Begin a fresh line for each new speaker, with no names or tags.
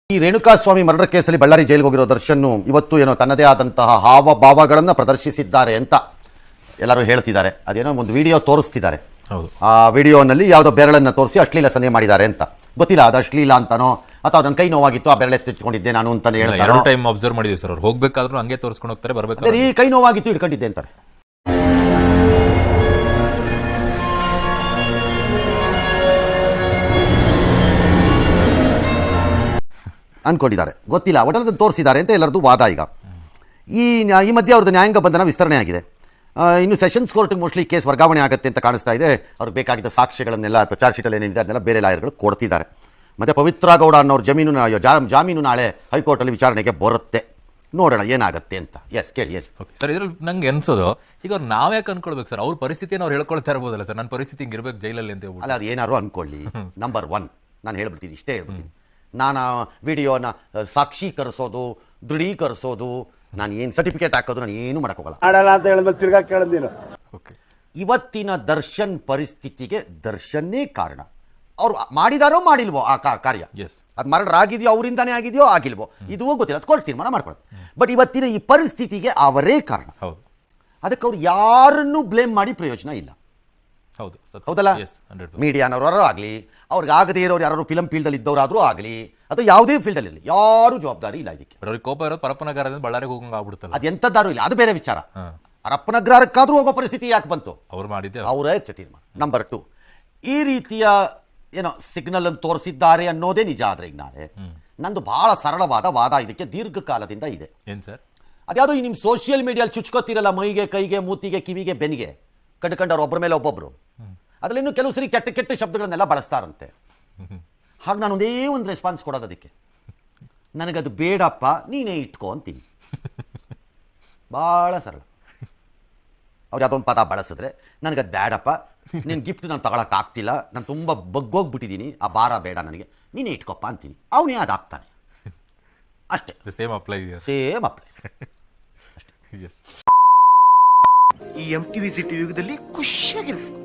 ಈ ರೇಣುಕಾಸ್ವಾಮಿ ಮರ್ಡರ್ ಕೇಸಲ್ಲಿ ಬಳ್ಳಾರಿ ಜೈಲಿಗೆ ಹೋಗಿರೋ ದರ್ಶನ್ ಇವತ್ತು ಏನೋ ತನ್ನದೇ ಆದಂತಹ ಹಾವಭಾವಗಳನ್ನು ಪ್ರದರ್ಶಿಸಿದ್ದಾರೆ ಅಂತ ಎಲ್ಲರೂ ಹೇಳ್ತಿದ್ದಾರೆ. ಅದೇನೋ ಒಂದು ವಿಡಿಯೋ ತೋರಿಸ್ತಿದ್ದಾರೆ. ಆ ವಿಡಿಯೋನಲ್ಲಿ ಯಾವುದೋ ಬೆರಳನ್ನು ತೋರಿಸಿ ಅಶ್ಲೀಲ ಸನ್ನೆ ಮಾಡಿದ್ದಾರೆ ಅಂತ. ಗೊತ್ತಿಲ್ಲ ಅದು ಅಶ್ಲೀಲ ಅಂತಾನೋ ಅಥವಾ ನನ್ನ ಕೈ ನೋವಾಗಿತ್ತು ಆ ಬೆರಳೆ ತೆಗೆದುಕೊಂಡಿದ್ದೆ ನಾನು ಅಂತಾನೆ ಹೇಳ್ತಾರೆ.
ಟೈಮ್ ಅಬ್ಸರ್ವ್ ಮಾಡಿದ್ವಿ ಸರ್. ಅವ್ರು ಹೋಗ್ಬೇಕಾದ್ರೂ ಹಂಗೆ ತೋರಿಸ್ಕೊಂಡು ಹೋಗ್ತಾರೆ, ಬರ್ಬೇಕಾದ್ರೆ
ಈ ಕೈ ನೋವಾಗಿತ್ತು ಇಟ್ಕೊಂಡಿದ್ದೆ ಅಂತಾರೆ. ಅನ್ಕೊಂಡಿದ್ದಾರೆ, ಗೊತ್ತಿಲ್ಲ, ಒಟ್ಟಲ್ಲಿ ತೋರಿಸಿದ್ದಾರೆ ಅಂತ ಎಲ್ಲರದ್ದು ವಾದ. ಈಗ ಈ ಮಧ್ಯೆ ಅವ್ರದ್ದು ನ್ಯಾಯಾಂಗ ಬಂಧನ ವಿಸ್ತರಣೆ ಆಗಿದೆ. ಇನ್ನು ಸೆಷನ್ಸ್ ಕೋರ್ಟ್ಗೆ ಮೋಸ್ಟ್ಲಿ ಕೇಸ್ ವರ್ಗಾವಣೆ ಆಗುತ್ತೆ ಅಂತ ಕಾಣಿಸ್ತಾ ಇದೆ. ಅವ್ರಿಗೆ ಬೇಕಾಗಿದ್ದ ಸಾಕ್ಷ್ಯಗಳನ್ನೆಲ್ಲ ಅಥವಾ ಚಾರ್ಜ್ ಶೀಟಲ್ಲಿ ಏನಿದೆ ಅದನ್ನೆಲ್ಲ ಬೇರೆ ಲಾಯರ್ಗಳು ಕೊಡ್ತಿದ್ದಾರೆ. ಮತ್ತು ಪವಿತ್ರ ಗೌಡ ಅನ್ನೋರು ಜಾಮೀನು ನಾಳೆ ಹೈಕೋರ್ಟಲ್ಲಿ ವಿಚಾರಣೆಗೆ ಬರುತ್ತೆ. ನೋಡೋಣ ಏನಾಗುತ್ತೆ ಅಂತ. ಎಸ್ ಕೇಳಿ. ಎಸ್
ಸರ್, ಇದ್ರಲ್ಲಿ ನಂಗೆ ಅನ್ಸೋದು ಈಗ ಅವ್ರು ನಾವ್ಯಾಕೆ ಅನ್ಕೊಳ್ಬೇಕು ಸರ್? ಅವ್ರ ಪರಿಸ್ಥಿತಿಯನ್ನು ಅವ್ರು ಹೇಳ್ಕೊಳ್ತಾ ಇರ್ಬೋದಲ್ಲ ಸರ್, ನನ್ನ ಪರಿಸ್ಥಿತಿ ಹಿಂಗೆ ಇರ್ಬೇಕು ಜೈಲಲ್ಲಿ ಅಂತ ಹೇಳ್ಬೋದು.
ಅಲ್ಲ, ಅದು ಏನಾರು ಅನ್ಕೊಳ್ಳಿ. ನಂಬರ್ 1 ನಾನು ಹೇಳ್ಬಿಡ್ತೀನಿ, ಇಷ್ಟೇ ಹೇಳ್ಬಿಡ್ತೀನಿ. ನಾನು ವಿಡಿಯೋನ ಸಾಕ್ಷೀಕರಿಸೋದು, ದೃಢೀಕರಿಸೋದು, ನಾನು ಏನು ಸರ್ಟಿಫಿಕೇಟ್ ಹಾಕೋದು ನಾನು ಏನು ಮಾಡೋಕ್ಕೋಗಲ್ಲ.
ಅಂತ ಹೇಳಿದ್ಮೇಲೆ ತಿರ್ಗಾ ಕೇಳಿದ್ದೀನು.
ಇವತ್ತಿನ ದರ್ಶನ್ ಪರಿಸ್ಥಿತಿಗೆ ದರ್ಶನ್ನೇ ಕಾರಣ. ಅವ್ರು ಮಾಡಿದಾರೋ ಮಾಡಿಲ್ವೋ ಆ ಕಾರ್ಯ, ಅದು ಮರ್ಡರ್ ಆಗಿದೆಯೋ ಅವರಿಂದಾನೇ ಆಗಿದೆಯೋ ಆಗಿಲ್ವೋ ಇದು ಗೊತ್ತಿಲ್ಲ, ಅದು ಕೋರ್ಟ್ ತೀರ್ಮಾನ ಮಾಡ್ಕೊಳ್ಳೋದು. ಬಟ್ ಇವತ್ತಿನ ಈ ಪರಿಸ್ಥಿತಿಗೆ ಅವರೇ ಕಾರಣ. ಅದಕ್ಕೆ ಅವ್ರು ಯಾರನ್ನೂ ಬ್ಲೇಮ್ ಮಾಡಿ ಪ್ರಯೋಜನ ಇಲ್ಲ. ಹೌದಲ್ಲ? ಮೀಡಿಯಾನವರು ಆಗಲಿ, ಅವ್ರಿಗೆ ಆಗದೇ ಇರೋರು ಯಾರು ಫಿಲಂ ಫೀಲ್ಡಲ್ಲಿ ಇದ್ದವರಾದರೂ ಆಗಲಿ, ಅಥವಾ ಯಾವುದೇ ಫೀಲ್ಡಲ್ಲಿ ಇರಲಿ, ಯಾರು ಜವಾಬ್ದಾರಿ ಇಲ್ಲ ಇದಕ್ಕೆ.
ಕೋಪ ಇರೋದು ಪರಪ್ಪನಗರದಿಂದ ಬಳ್ಳಾರಿಗೆ ಹೋಗಂಗೆ ಆಗ್ಬಿಡುತ್ತಲ್ಲ,
ಅದು ಎಂಥದ್ದಾರು ಇಲ್ಲ, ಅದು ಬೇರೆ ವಿಚಾರ. ಪರಪ್ಪನಗರಕ್ಕಾದ್ರೂ ಹೋಗೋ ಪರಿಸ್ಥಿತಿ ಯಾಕೆ ಬಂತು?
ಅವ್ರು ಮಾಡಿದ್ದೆ,
ಅವರೇ ತೀರ್ಮಾನ. ನಂಬರ್ 2, ಈ ರೀತಿಯ ಏನೋ ಸಿಗ್ನಲ್ ಅನ್ನು ತೋರಿಸಿದ್ದಾರೆ ಅನ್ನೋದೇ ನಿಜ. ಆದರೆ ಈಗ ನಾಳೆ ನಂದು ಬಹಳ ಸರಳವಾದ ವಾದ ಇದಕ್ಕೆ ದೀರ್ಘಕಾಲದಿಂದ ಇದೆ.
ಏನು ಸರ್?
ಅದ್ಯಾವುದೋ ಈ ನಿಮ್ಮ ಸೋಷಿಯಲ್ ಮೀಡಿಯಲ್ಲಿ ಚುಚ್ಕೋತಿರಲ್ಲ, ಮೈಗೆ, ಕೈಗೆ, ಮೂತಿಗೆ, ಕಿವಿಗೆ, ಬೆನ್ನಿಗೆ ಕಂಡುಕೊಂಡವ್ರು ಒಬ್ಬರ ಮೇಲೆ ಒಬ್ಬೊಬ್ಬರು. ಅದರಲ್ಲಿ ಇನ್ನೂ ಕೆಲವು ಸರಿ ಕೆಟ್ಟ ಕೆಟ್ಟ ಶಬ್ದಗಳನ್ನೆಲ್ಲ ಬಳಸ್ತಾರಂತೆ. ಹಾಗೆ ನಾನು ಒಂದೇ ಒಂದು ರೆಸ್ಪಾನ್ಸ್ ಕೊಡೋದು ಅದಕ್ಕೆ, ನನಗದು ಬೇಡಪ್ಪ, ನೀನೇ ಇಟ್ಕೋ ಅಂತೀನಿ. ಭಾಳ ಸರಳ. ಅವ್ರು ಯಾವುದೊಂದು ಪದ ಬಳಸಿದ್ರೆ ನನಗದು ಬೇಡಪ್ಪ, ನಿನ್ನ ಗಿಫ್ಟ್ ನಾನು ತಗೊಳಕ್ಕಾಗ್ತಿಲ್ಲ, ನಾನು ತುಂಬ ಬಗ್ಗೋಗ್ಬಿಟ್ಟಿದ್ದೀನಿ, ಆ ಭಾರ ಬೇಡ ನನಗೆ, ನೀನೇ ಇಟ್ಕೊಪ್ಪ ಅಂತೀನಿ. ಅವನೇ ಅದು ಆಗ್ತಾನೆ ಅಷ್ಟೇ.
Same apply.
ಈ MTV ಸಿಟಿ ಯುಗದಲ್ಲಿ ಖುಷಿಯಾಗಿರ್ಬೇಕು.